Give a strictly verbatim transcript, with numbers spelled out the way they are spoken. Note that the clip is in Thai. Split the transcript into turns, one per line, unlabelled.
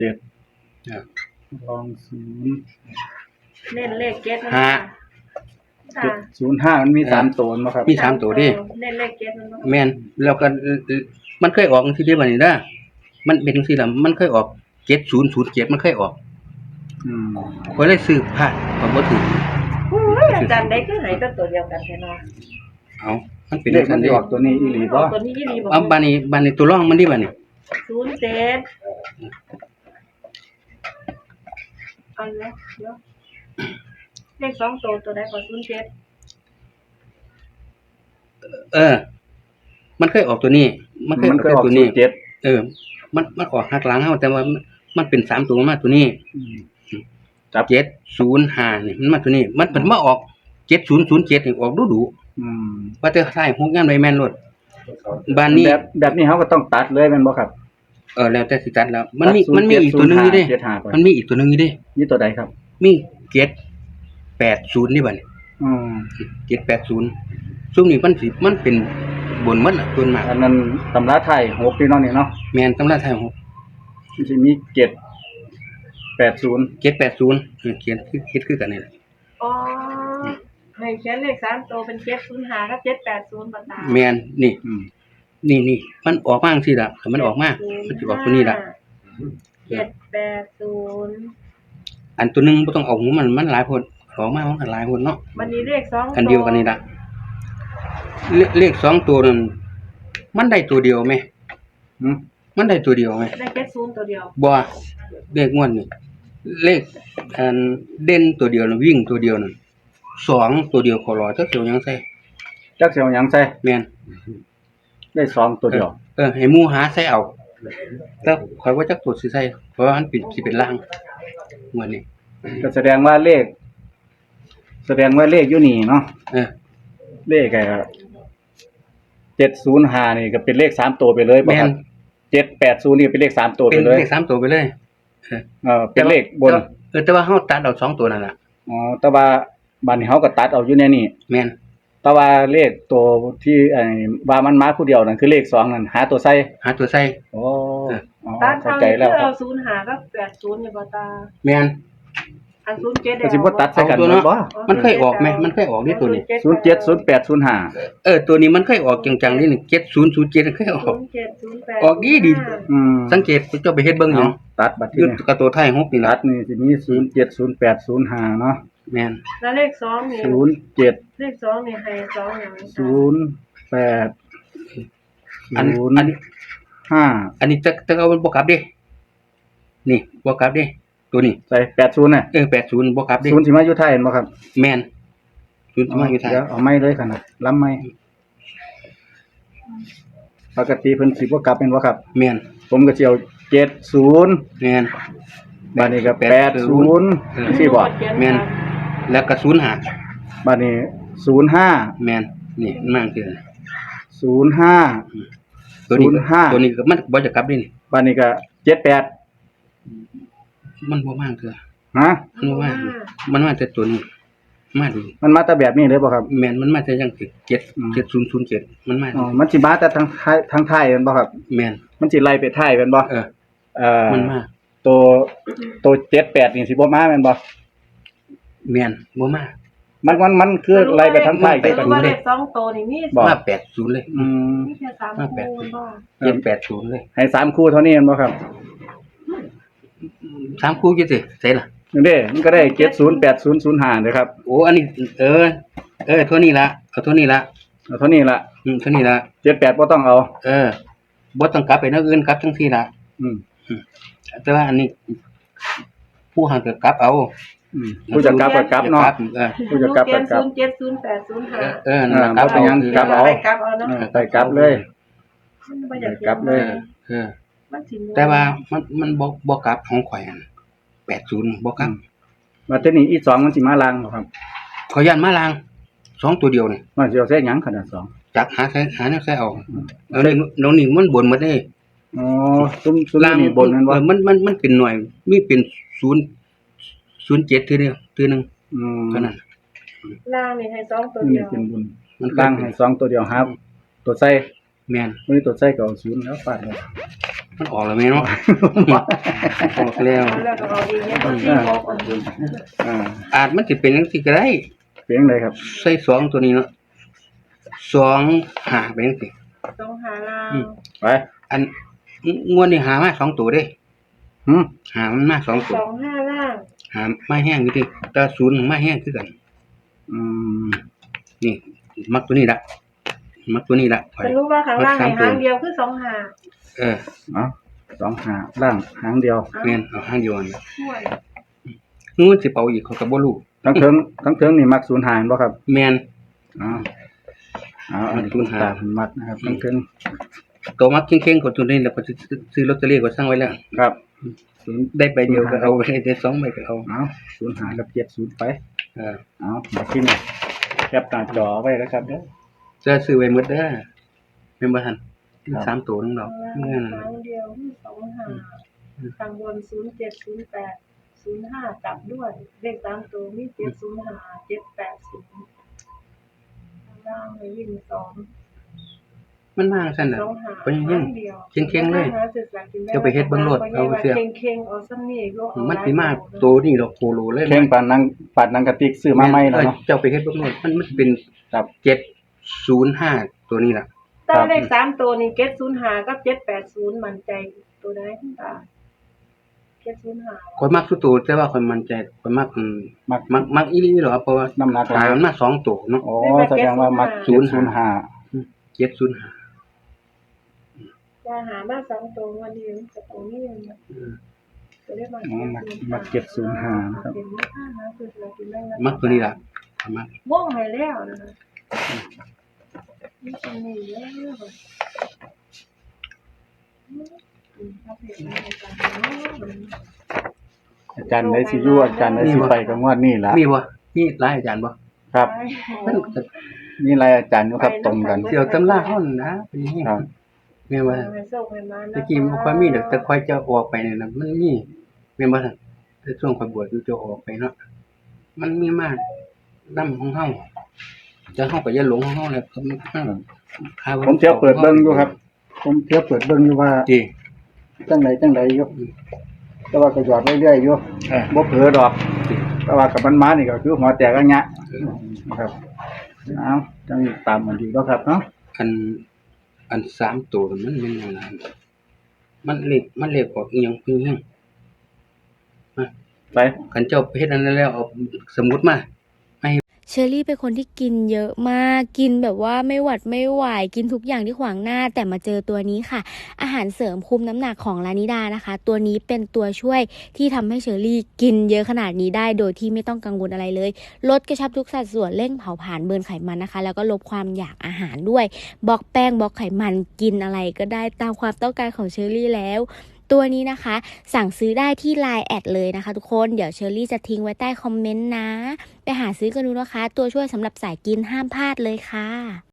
เจ็ด
อ่า
ลองศูนย์
เน้นเลขเจ็ดนะ
ห้า
ค่ะ
เจ็ดศูนย์ห้ามันมีสามตัวเนาะครับ
มีสามตัวดิ
เน้นเลขเจ็ดมันบ่
แม่นแล้วก็มันเคยออกจังซี่เด้บัดนี้เด้อมันเป็นจังซี่ล่ะมันเคยออกเจ็ดศูนย์ศูนย์เจ็ดมันเคยออก
อืม
ข้อยเลยซื้อพลาดก็บ่ถูก
โอ้ยอาจารย์ได้คือให้แต่ตัวเดียวกันแท้เนาะ
เอามันเป็น
เล
จั
ข
ง
มั
ซั่
น
น
สิ
เด้
ออกตัวนี้อีหลีบ่
ตัวนี้ยี่ดีบ่
เอาบัดนี้บัดนี้ตัวรองมันดิบัดนี้
ศูนย์เจ็ดเอาเลยเดี๋ยวเลขสองตัวตัวใดก็ศูนย์เจ็ด
เออ มันเคยออกตัวนี้ มันเคยอ
มั
อน ก
เคยออก
ตัว
ศู
นี้
นย์เจ็ด
เออ มันมันออกหักหลังเฮาแต่ว่ามันมันเป็นสามตัวมาตัวนี้
อืม
เจ็ดศูนย์ห้านี่มันมาตัวนี้ มันเป็นมาออกเจ็ดศูนย์ศูนย์เจ็ดนี่ออกดุดุ
อืม
ว่าแต่ท้ายหกยามใดแม่นรถบ้านนี้
แบบแบบนี้เขาก็ต้องตัดเลยแม่นบ่ครับ
เออแล้วแต่สิตัดแล้ว มันมี
ตัด
มันมีอีกตัวหนึงอยู่เด้
ศูนย์เจ็ดห้าไป
มันมีอีกตัวหนึงอยู่เด้
นี่ตัวใดครับ
มีเจ็ดแปดศูนย์นี่บัดนี้
อืม
เจ็ดแปดศูนย์ซุมนี้มันสิมันเป็นบนหมันน่ะส่วนมาก
อันนั้นตำราไทยหกพี่น้องนี่เนาะ
แม่นตำราไทยหก
มันสิมีเจ็ดแปดศูนย์
เจ็ดแปดศูนย์เออเขียนคือคิดคือกันนี่แหละ
อ๋อให้เขียนเลขสามตัวเป็นเจ็ดศูนย์ห้ากับเจ็ดแปดศูนย์บ่ตา
แม่นนี่
อืม
นี่นี่มันออกมาจังซี่ล่ะถ้ามันออกมามันสิออกตัวนี้ล่ะ
เจ็ดแปดศูนย์
อันตัวหนึงบ่ต้องเอาหูมันมันหลายคนออกมามันก็หลายคนเนาะ
วันนี้เลขสอง
อันเดียวกันนี่ล่ะเลเลขสองตัวนั้นมันได้ตัวเดียวไหม
อืม
มันได้ตัวเดียวไหม
ได้เจ็ดศูนย์ตัวเดียว
บ่เลขงวดนี่เลขอันเด่นตัวเดียวน่ะวิ่งตัวเดียวนั่นสองตัวเดียวขอรอจักเดียวยังใส่
จักสิเอาหยังใส่
แม่น
ได้สองตัวเดียว
เออให้หมู่หาใส่เอาแต่ข่อยว่าจักตัวสิใส่เพราะว่ามันเป็นสิเป็นล่างงวดนี้
ก็แสดงว่าเลข แสดงว่าเลขอยู่นี่เนาะ
เออ
เลขไอ้เจ็ดศูนย์ห้านี่ก็เป็นเลขสามตัวไปเลยบ่
แม่
ครั
น
บเจ็ดแปดศูนย์นี่เป็นเลขสามตัว
เป็
ไป
น
เลย
เลขสามตัวไปเลยเออ
เออเป็นเลขบน
เออแต่ว่าเฮาตัดเอาสองตัวนั่นล่ะ
อ๋อแต่ว่าบัดนี้เฮาก็ตัดเอาอยู่ในนี่
แม่น
แต่ว่าเลขตัวที่ไอ้ว่ามันมาผู้เดียวนั่นคือเลขสองนั่นหาตัวใส่
หาตัวใส่
โอ้อ๋อ
ตา
เข้า
เท่า
ใจ
นี้
แล้ว
คือ
ครั
เอา
บ
ศูนย์ห้ากับแปดศูนย์เนี่ยบ่ตา
แม่น
อันศูนย์เจ็ด
ก็สิบ่ตัดใส่กัน
เอาตัว
หม
เนาะ
ดบ่
มันเคยออกไหมมันเคยออกนี่ตัวนี้
ศูนย์เจ็ด ศูนย์แปด ศูนย์ห้า
เออตัวนี้มันเคยออกจังๆนี่นี่เจ็ดศูนย์ศูนย์เจ็ดเคยออก
ศูนย์เจ็ดศูนย์แปด
ออกดีดี
อืม
สังเกตเจ้าไปเฮ็ดเบิ่งหยัง
ตัดบัด
อ
ที่
ยู่
นี่
กับตัวไทยหกนี่
ตั
ล่ะ
ดนี่สิมีศูนย์เจ็ด ศูนย์แปด ศูนย์ห้าเนาะ
แม่น
แล้วเลขสองนี่
ศูนย์เจ็ด
เลขสองนี่ให้สองอย่างนี้
ศูนย์แปด
อัน
ศูนย์
อันนี้
ห้า
อันนี้จะจะเอาบ่กลับเด้นี่บ่กลับเด้ตัวนี้
ใส่แปดศูนย์น่ะ
เออแปดศูนย์บ่กลับเด้
ศูนย์สิมาอยู่ไทยเห็นบ่ครับ
แม่นศูนย์มาอยู่ไทย
เดี๋ยวเอาไม้เลยขนาดล้ำไม้ปกติเพิ่นสิบ่กลับเป็นบ่ครับ
แม่น
ผมก็สิเอาเจ็ดศูนย์
แม่น
บัดนี้ก็แปดศูนย์สิบ่
แม่นแล้วก็ศูนย์ห้า
บัดนี้ศูนย์ห้า
แม่นนี่มันมาคือ
ศูนย์ห้า
ตัวนี้
ศูนย์ห้า
ตัวนี้ก็มันบ่จะกลับเด้นี่
บัดนี้ก็เจ็ดแปด
มันบ่มาคือ
ฮะ
มันบ่มามันมาแต่ตัวนี้มาดี
มันมาแต่แบบนี้เลยบ่ครับ
แม่นมันมาแต่จังสิเจ็ด
อืม
เจ็ดศูนย์ศูนย์เจ็ดมันมา
อ๋อมันสิมาแต่ทางไทยทางไทยแม่นบ่ครับ
แม่น
มันสิไล่ไปไทยแม่นบ่
เออ
เอ่อ
มันมา
ตัวตัวเจ็ดแปดนี่สิบ่มาแม่นบ่
แม่นบ่มา
มันมันมันคือไล่ไปทางไทย
ไป
ไป
รู้
ทาง
ว่าเล
นี้
ขสองตัวนี่มี
บ่
มาแปดศูนย์เลย
อืม
มีแค่สามคู่บ่
เจ็ดแปดศูนย์เลย
ให้สามคู่เท่านี้แม่นบ่ครับ
สามคู่กี่สิใส่ล่ะ
นี่เด้มันก็ได้เจ็ดศูนย์ แปดศูนย์ ศูนย์ห้าเด้อครับ
โอ้อันนี้เออ เออเท่านี้ละเอาเท่านี้ละ
เอาเท่านี้ล่ะ
อืมเท่านี้ละ
เจ็ดแปดบ่ต้องเอา
เออบ่ต้องกลับไปแนวอื่นกลับจังซี่ละ
อืม
แต่ว่าอันนี้ ผู้หันก็กลับเอา
อืมผู้จะกลับก็กลับเนาะ
เออ
ผู้จะกลับก็กลับ
ศูนย์เจ็ดศูนย์แปดศูนย์ห้า
เออนั่นล่ะกลับ
บ่เป็นหยังกลับเอา
ไปกลับเอาเนาะ
เออไปกลับเลย
บ่อยาก
กลับเลย
เออ
มันสิ
แต่ว่ามันมันบ่บ่กลับของข่อยอันแปดศูนย์บ่กลับ
มาเท่านี้อีสองมันสิมาลางบ่ครับ
ขอยย่านมาลางสองตัวเดียวนี่
มันสิเอาใส่หยังขนาดสอง
จักหาใส่หาแนวใส่เอาเอานี่น้องนี่มันบ่นหมดเด้
อ๋อซุ่มซุ่มนี่บนแม่นบ่
เออมันมันมันเป็นหน่วยมีเป็นศูนย์ ศูนย์เจ็ดทีเดียวทีหนึง
อืม
เท่านั้น
ล่างนี่ให้สองตัว
นี่
เดียว
เป็นบุญ
มันก็
ลางให้สองตัวเดียวครับ ตัวใส่
แม่น
มื้อนี้ตัวใส่ก็เอาศูนย์แล้วฟาดเลย
มันออกแล้วแม่เนาะ ออกแล้ว
เอาแล้วก็เอาเองเนี่ยบ่สิบอกอันนี้
อ่า
อาจมันสิเป็นจังซี่ก็ได้
เพียงเลยครับ
ใส่สองตัวนี้เนาะสองหาไปจังซี่
สองหาลาว
อืม
ไป
อันงวดนี้หามาสองตัวเด้
หืม
หามันมาสองตัว
สองห้าล่าง
หามาแห้งอยู่ดิแต่ศูนย์มาแห้งคือกัน
อืม
นี่ มักตัวนี้ละมักตัวนี้ละไป
จะรู้ว่าข้างล่างให้หางเดียวคือสองหา
เออ
เอาสองหาล่างหางเดียว
แม่นเอาห้างเดียวนั่นล่ะ
ช่วย
งูสิเป่าอีกเขาก็บ่รู้
ทั้งเทิงทั้งเทิงนี่มักศูนย์หาบ่ครับ
แม่น
อ๋อเอาอันนี้
ศูนย์หา
ตาผมมักนะครับทั้งเทิง
ตัวมักเข่งๆกว่าตัวนี้แล้วก็สิซื้อลอตเตอรี่ก็สั่งไว้แล้ว
ครับศูนย์
ได้ใบเดียวก็เอาไปได้สองใบก็เอา
เอาศูนย์หากับเจ็ดศูนย์ไป
เออ
เอามาที่นี่แคปหน้าจอไว้แล้วครับเด้อ
จะซื้อไว้หมดเด้อแม่นบ่ทัน
ครับ
สามตัวนึงดอก
ข้างล่าง
แม่น
หางเดียวคือสองหาข้างบนศูนย์เจ็ดศูนย์แปดศูนย์ห้าจับด้วยเลขสามตัวมีเจ็ดศูนย์ห้าเจ็ดแปดศูนย์ข้างล่างให้วิ่งสอง
มันมาซั่นน่ะ
สองหา
เพิ่นยัง
เดียว
เข่งๆเลย
หาศึกษากินได้
จะไปเฮ็ดเบิ่งโลดเอาเสื้อ
เข่งๆเอาซ้ำนี่ก็เอา
มันสิมาตัวนี้ดอกโคโลเลย
เข่งปานนังปานนังกระติกซื้อมาใหม่แล้วเนาะ
เจ้าไปเฮ็ดเบิ่งโลดมันมันเป็น
ครับ
เจ็ดศูนย์ห้าตัวนี้ล่ะ
ตาเลขสามตัวนี่เจ็ดศูนย์ห้ากับเจ็ดแปดศูนย์มั่นใจตัวใดคุณตาเจ็ดศูนย์ห้า
ข่อยมักสุดตัวแต่ว่าข่อยมั่นใจข่อยมักอืม
มัก
มักมักอีหลีเหรอเพราะว่า
น้ำหนักหลา
หาย มันมาสองตัวเนาะ
อ๋อแสดงว่ามักศูนย์ศูนย์ห้า
เจ็ดศูนย์ห้า
จะหามาสองตัววันนี้มันจะตรงนี้มันจะได้มา
อ๋อมักมักเจ็ดศูนย์ห้านะครับ
เป็นเลขห้านะคือเรากินได้
มักตัวนี้ล่ะข่อยมัก
ว่องให้แล้วนะคะนี่ตรงนี้แล้วค่ะอืมถ้าเผ็ดมันจะทำเนาะ
อาจารย์ได้สิอยู่อาจารย์ได้สิไปกับงวดนี้ล่ะ
มีบ่มีหลายอาจารย์บ่
ครับ
ไป
มันก็
มีหลายอาจารย์อยู่ครับตรงกัน
เสี่ยวตำราเฮานั่นนะเป็นอย่างนี้
ครับ
แม่นว่า
ให้โชคให้มานะ
ตะกี้มันค่อยมีดอกแต่ค่อยจะออกไปเนี่ยนะมันมีแม่นบ่ซั่นแต่ช่วงค่อยบวชอยู่จะออกไปเนาะมันมีมากนำของเฮาจะเฮาก็อย่าหลงของเฮาแหละก็มันค่า
ผมเที่ยวเปิดเบิ่งอยู่ครับ ผมเที่ยวเปิดเบิ่งอยู่ว่า
จี
จังไดจังไดอยู่แต่ว่าก็หยอดเรื่อยๆอยู่
เออ
บ่เผลอดอก แต่ว่ากับมันมานี่ก็คือหัวแตกอันเนี้ยนะครับเอาจังตามมันดีแล้วครับเนาะ
อันอันสามตัวมันมันยังไงมันเล็กมันเล็กกว่าอีหยังอีหยัง
ไป
คันเจ้าไปเฮ็ดอันนั้นแล้วเอาสมุดมา
เชอรี่เป็นคนที่กินเยอะมาก กินแบบว่าไม่หวัดไม่ไหว กินทุกอย่างที่ขวางหน้า แต่มาเจอตัวนี้ค่ะ อาหารเสริมคุมน้ำหนักของลานิดานะคะ ตัวนี้เป็นตัวช่วยที่ทำให้เชอรี่กินเยอะขนาดนี้ได้ โดยที่ไม่ต้องกังวลอะไรเลย ลดกระชับทุกสัดส่วน เร่งเผาผลาญเบิร์นไขมันนะคะ แล้วก็ลดความอยากอาหารด้วย บล็อกแป้ง บล็อกไขมัน กินอะไรก็ได้ตามความต้องการของเชอรี่แล้ว ตัวนี้นะคะ สั่งซื้อได้ที่ ไลน์ แอดเลยนะคะทุกคน เดี๋ยวเชอรี่จะทิ้งไว้ใต้คอมเมนต์นะ ไปหาซื้อกันดูนะคะ ตัวช่วยสำหรับสายกินห้ามพลาดเลยค่ะ